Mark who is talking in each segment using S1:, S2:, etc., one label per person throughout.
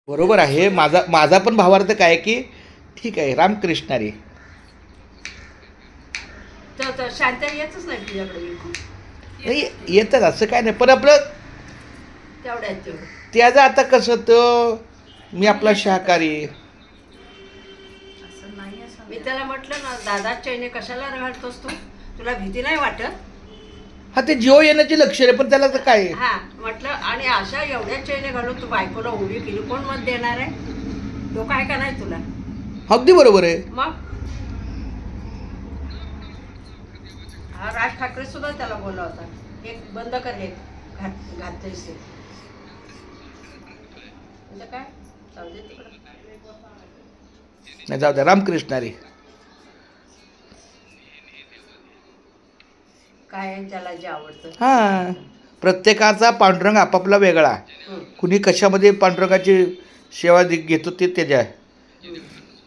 S1: बरोबर आहे. माझा माझा पण भावार्थ काय की ठीक आहे रामकृष्ण रे.
S2: तर शांत येतच नाही तुझ्याकडे बिलकुल.
S1: नाही येतात असं काय नाही पण आपलं
S2: तेवढ्यात तेवढं.
S1: त्याचं आता कसं तर मी आपला शाकाहारी.
S3: असं नाही असं
S2: मी त्याला म्हटलं ना दादा चैने कशाला घालतोस तू, तुला भीती नाही वाटत?
S1: हा ते जीव येण्याची लक्षण आहे पण त्याला तर काय आहे?
S2: हा म्हटलं आणि अशा एवढ्या चैने घालून तू बायकोला उभी केली, कोण मत देणार आहे? तो काय का नाही तुला?
S1: अगदी बरोबर आहे.
S2: मग हा राज ठाकरे सुद्धा त्याला बोलला होता, एक बंद कर हे घातलेस म्हणजे काय, जाऊ दे तिकडं.
S1: नाही जाऊ द्या रामकृष्ण रे.
S2: काय आहे ज्याला जे आवडतं.
S1: हा प्रत्येकाचा पांडुरंग आपापला वेगळा.
S2: हम्म.
S1: कुणी कशामध्ये पांडुरंगाची सेवा घेतो ते त्याच्या आहे.
S2: हम्म.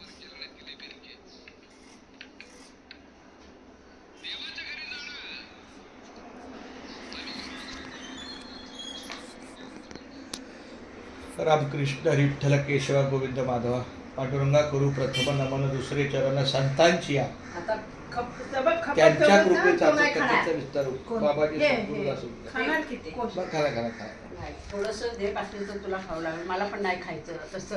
S1: रामकृष्ण विठ्ठल केशवा गोविंद माधवा पांडुरंगा करू प्रथम नमन दुसरे चरण संतांची या
S2: आता खप
S1: त्यांच्या
S2: ठेवून जा,
S1: कृपेचा
S2: तो नाही खाणार.
S1: त्याचा विस्तार हो.
S3: कोण?
S1: बाबाजी
S2: हे,
S1: संपूर्ण
S2: हे.
S1: असू द्या.
S3: खाणार किती?
S1: बरं, खा खा.
S2: नाही थोडंसं देत असेल तर तुला खावं लागेल, मला पण नाही खायचं तसं.